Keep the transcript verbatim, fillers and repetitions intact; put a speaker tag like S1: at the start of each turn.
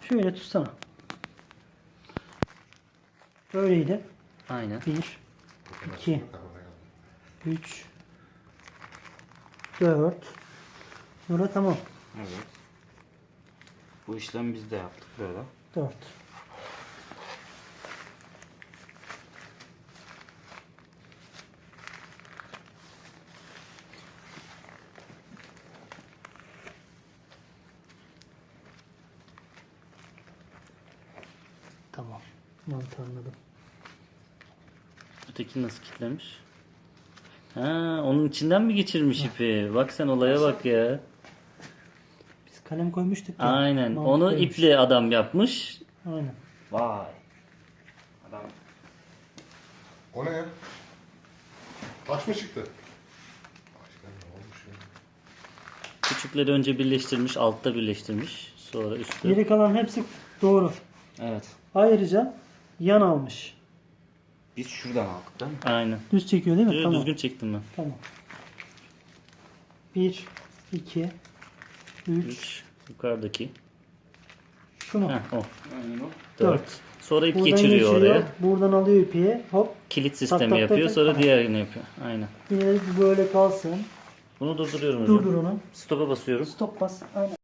S1: Şöyle tutsana. Böyleydi.
S2: Aynen.
S1: Bir, iki, üç, dört. Burada tamam.
S2: Evet. Bu işlemi biz de yaptık böyle.
S1: Dört. Tamam. Mantığı anladım.
S2: Öteki nasıl kilitlemiş? Ha, onun içinden mi geçirmiş ipi? Bak sen olaya bak ya.
S1: Biz kalem koymuştuk ya.
S2: Aynen. Onu
S1: Mantıklıymış.
S2: iple adam yapmış.
S1: Aynen.
S2: Vay. Adam.
S3: O ne ya? Taş mı çıktı? Başkan ne olmuş ya?
S2: Küçükleri önce birleştirmiş, altta birleştirmiş. Sonra üstte.
S1: Geri kalan hepsi doğru.
S2: Evet.
S1: Ayrıca yan almış.
S2: Biz şuradan aldık değil mi? Aynen.
S1: Düz çekiyor değil mi?
S2: Düz-
S1: Tamam.
S2: Düzgün çektim ben.
S1: Tamam. Bir, iki, üç.
S2: üç. Yukarıdaki.
S1: Şu mu?
S2: Heh, o. Aynen o.
S1: Dört.
S2: dört. Sonra ip
S1: Buradan
S2: geçiriyor oraya.
S1: Buradan alıyor ipi. Hop.
S2: Kilit
S1: Tak,
S2: sistemi
S1: tak, tak,
S2: yapıyor.
S1: tak.
S2: Sonra
S1: Tamam.
S2: diğerini yapıyor. Aynen.
S1: Yine de böyle kalsın.
S2: Bunu durduruyorum hocam.
S1: Durdur onu.
S2: Stop'a basıyorum.
S1: Stop bas. Aynen.